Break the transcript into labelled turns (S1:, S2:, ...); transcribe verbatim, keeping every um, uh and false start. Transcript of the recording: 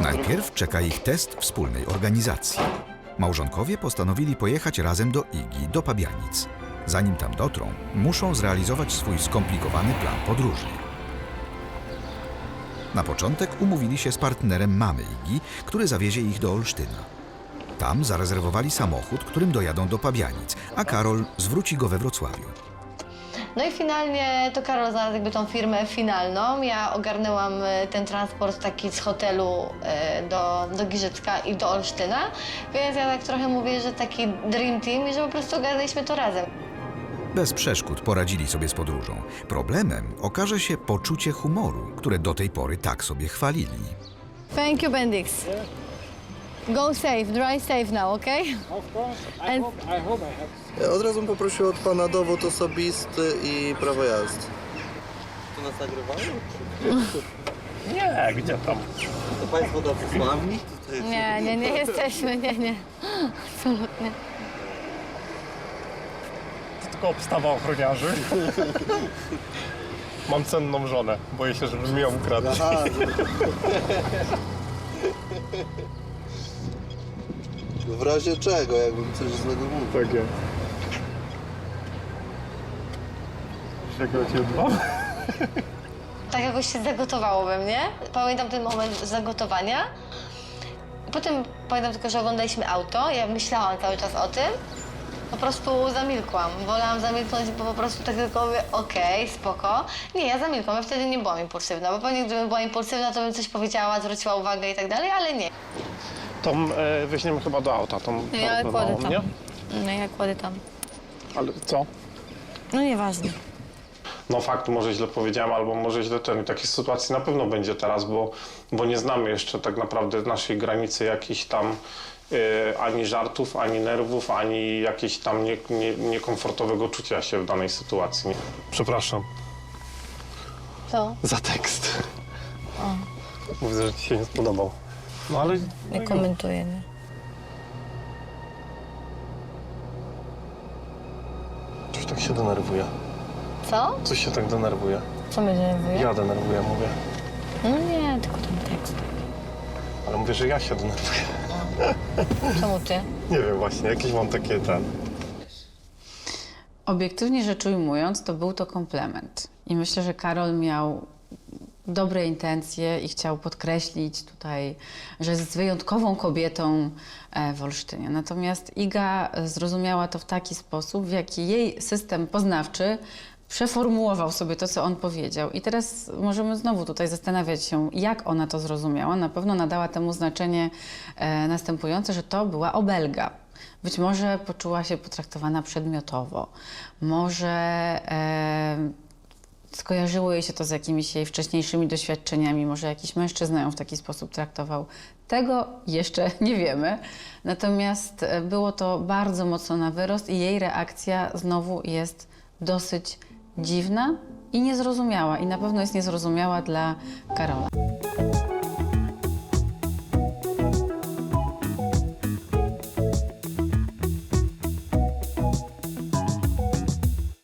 S1: Najpierw czeka ich test wspólnej organizacji. Małżonkowie postanowili pojechać razem do Igi, do Pabianic. Zanim tam dotrą, muszą zrealizować swój skomplikowany plan podróży. Na początek umówili się z partnerem mamy Igi, który zawiezie ich do Olsztyna. Tam zarezerwowali samochód, którym dojadą do Pabianic, a Karol zwróci go we Wrocławiu.
S2: No i finalnie to Karol znalazł jakby tą firmę finalną. Ja ogarnęłam ten transport taki z hotelu do, do Giżycka i do Olsztyna, więc ja tak trochę mówię, że taki dream team i że po prostu ogarnęliśmy to razem.
S1: Bez przeszkód poradzili sobie z podróżą. Problemem okaże się poczucie humoru, które do tej pory tak sobie chwalili.
S2: Thank you, Bendix. Go safe, drive safe now, okay?
S3: Of course. I,
S2: And-
S3: hope, I hope I have.
S4: Ja od razu bym poprosił od pana dowód osobisty i prawo jazdy. To nas nagrywają?
S3: Nie, gdzie tam?
S4: To państwo tacy sławni? Tutaj
S2: Nie, nie, nie jesteśmy, nie, nie. Absolutnie.
S3: To tylko obstawa ochroniarzy. Mam cenną żonę. Boję się, żeby mi ją ukradł.
S4: Aha, w razie czego, jakbym coś złego mówił.
S3: Tak jest. Jak ja cię dbam?
S2: Tak jakoś się zagotowało we mnie. Pamiętam ten moment zagotowania. Potem pamiętam tylko, że oglądaliśmy auto. Ja myślałam cały czas o tym. Po prostu zamilkłam. Wolałam zamilknąć, bo po prostu tak tylko mówię, okej, spoko. Nie, ja zamilkłam, ja wtedy nie byłam impulsywna, bo pewnie gdybym była impulsywna, to bym coś powiedziała, zwróciła uwagę i tak dalej, ale nie.
S3: Tą e, weźmiemy chyba do auta, tą
S2: Nie, ja
S3: torbę
S2: kładę
S3: małą,
S2: tam.
S3: nie?
S2: No ja kładę tam.
S3: Ale co?
S2: No nieważne.
S3: No fakt, może źle powiedziałem, albo może źle ten. I takiej sytuacji na pewno będzie teraz, bo, bo nie znamy jeszcze tak naprawdę naszej granicy jakichś tam e, ani żartów, ani nerwów, ani jakiegoś tam nie, nie, niekomfortowego czucia się w danej sytuacji. Nie? Przepraszam
S2: Co?
S3: za tekst. Mówię, że ci się nie spodobał. No ale...
S2: Nie komentuję, nie?
S3: Coś tak się denerwuje.
S2: Co?
S3: Coś się tak denerwuje.
S2: Co mnie denerwuje?
S3: Ja denerwuję, mówię.
S2: No nie, tylko ten tekst.
S3: Ale mówię, że ja się denerwuję.
S2: Czemu ty?
S3: Nie wiem właśnie, jakieś mam takie ten...
S5: Obiektywnie rzecz ujmując, to był to komplement. I myślę, że Karol miał dobre intencje i chciał podkreślić tutaj, że jest wyjątkową kobietą e, w Olsztynie. Natomiast Iga zrozumiała to w taki sposób, w jaki jej system poznawczy przeformułował sobie to, co on powiedział. I teraz możemy znowu tutaj zastanawiać się, jak ona to zrozumiała. Na pewno nadała temu znaczenie e, następujące, że to była obelga. Być może poczuła się potraktowana przedmiotowo. Może e, skojarzyło jej się to z jakimiś jej wcześniejszymi doświadczeniami. Może jakiś mężczyzna ją w taki sposób traktował. Tego jeszcze nie wiemy. Natomiast e, było to bardzo mocno na wyrost i jej reakcja znowu jest dosyć dziwna i niezrozumiała. I na pewno jest niezrozumiała dla Karola.